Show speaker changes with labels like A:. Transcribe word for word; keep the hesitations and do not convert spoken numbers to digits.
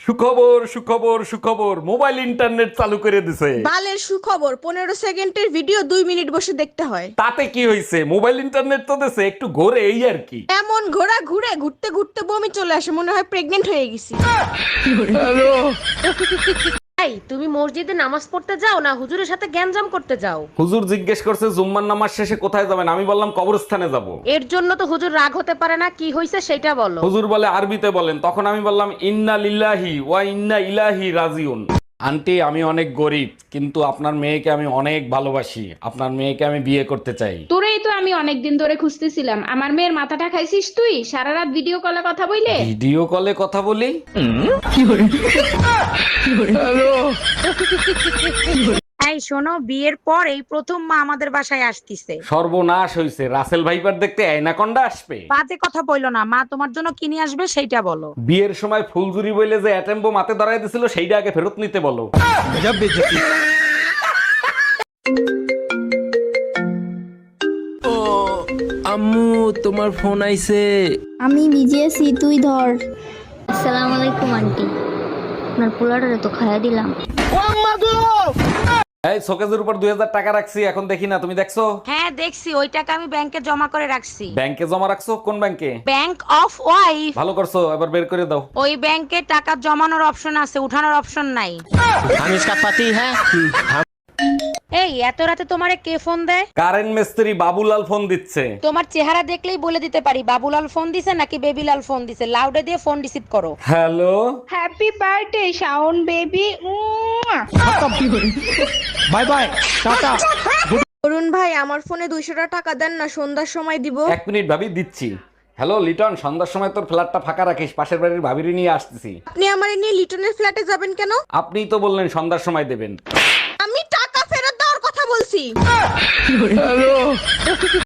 A: সুখবর সুখবর সুখবর, মোবাইল ইন্টারনেট চালু করে দিছে।
B: বালের সুখবর, পনেরো সেকেন্ডের ভিডিও দুই মিনিট বসে দেখতে হয়।
A: তাতে কি হয়েছে, মোবাইল ইন্টারনেট তো দিছে, একটু ঘোরে এই আর কি।
B: এমন ঘোড়া ঘুরে ঘুরতে ঘুরতে বমি চলে আসে, মনে হয় প্রেগনেন্ট হয়ে গেছি।
C: এই তুমি মসজিদে নামাজ পড়তে যাও না হুজুরের সাথে গ্যাঞ্জাম করতে যাও?
A: হুজুর জিজ্ঞেস করছে জুম্মার নামাজ শেষে কোথায় যাবেন, আমি বললাম কবরস্থানে যাব।
C: এর জন্য তো হুজুর রাগ হতে পারে না, কি হইছে সেটা বলো।
A: হুজুর বলে আরবিতে বলেন, তখন আমি বললাম ইন্না লিল্লাহি ওয়া ইন্না ইলাইহি রাজিউন। আন্টি আমি অনেক গরিব, কিন্তু আপনার মেয়েকে আমি অনেক ভালোবাসি, আপনার মেয়েকে আমি বিয়ে করতে চাই।
D: তোরেই তো আমি অনেকদিন ধরে খুঁজতেছিলাম। আমার মেয়ের মাথাটা খাইছিস তুই সারা রাত ভিডিও কলে কথা বইলে।
A: ভিডিও কলে কথা বলি?
E: এই শোনো, বিয়ের পর এই প্রথম মা আমাদের বাসায় আসতিছে।
A: সর্বনাশ হইছে, রাসেল ভাইপার দেখতে আয়নাকন্ডা আসবে।
E: বাজে কথা বইলো না, মা তোমার জন্য কিনে আসবে সেইটা বলো।
A: বিয়ের সময় ফুলজুরি বইলে যে অ্যাটেম্বো মাতে ধরাই দিছিল, সেইটা আগে ফেরত নিতে বলো।
F: আম্মু তোমার ফোন আইছে।
G: আমি ভিজিয়েছি, তুই ধর।
H: আসসালামু আলাইকুম আন্টি, আপনার পোলাটারে তো খাইয়া দিলাম।
A: এই শোকেজের উপর দুই হাজার টাকা রাখছি, এখন দেখি না, তুমি দেখছো?
E: হ্যাঁ দেখছি, ওই টাকা আমি ব্যাংকে জমা করে রাখছি।
A: ব্যাংকে জমা রাখছো? কোন ব্যাংকে?
E: Bank of wife.
A: ভালো করছো, এবার বের করে দাও।
E: ওই ব্যাংকে টাকা জমানোর অপশন আছে, উঠানোর অপশন নাই।
F: हम इसका पति है।
E: এই এত রাতে তোমারে কে ফোন দেয়?
A: কারেন্ট মিস্ত্রি বাবুলাল ফোন দিচ্ছে।
E: তোমার চেহারা দেখলেই বলে দিতে পারি বাবুলাল ফোন দিছে নাকি বেবিলাল ফোন দিছে। লাউডে দিয়ে ফোন রিসিভ করো।
A: Hello,
D: happy birthday Shaon baby.
F: Bye bye tata.
B: Arun ভাই, আমার ফোনে দুইশোটা টাকা দেন না, সন্ধ্যার সময় দিব।
A: এক মিনিট ভাবি, দিচ্ছি। হ্যালো লিটন, সন্ধ্যার সময় তোর ফ্ল্যাটটা ফাঁকা রাখিস, পাশের বাড়ির ভাবিরি নিয়ে আসতেছি।
B: আপনি আমার নিয়ে লিটনের ফ্ল্যাটে যাবেন কেন?
A: আপনিই তো বললেন সন্ধ্যার সময় দেবেন।
B: আমি টাকা ফেরত দেওয়ার কথা বলছি।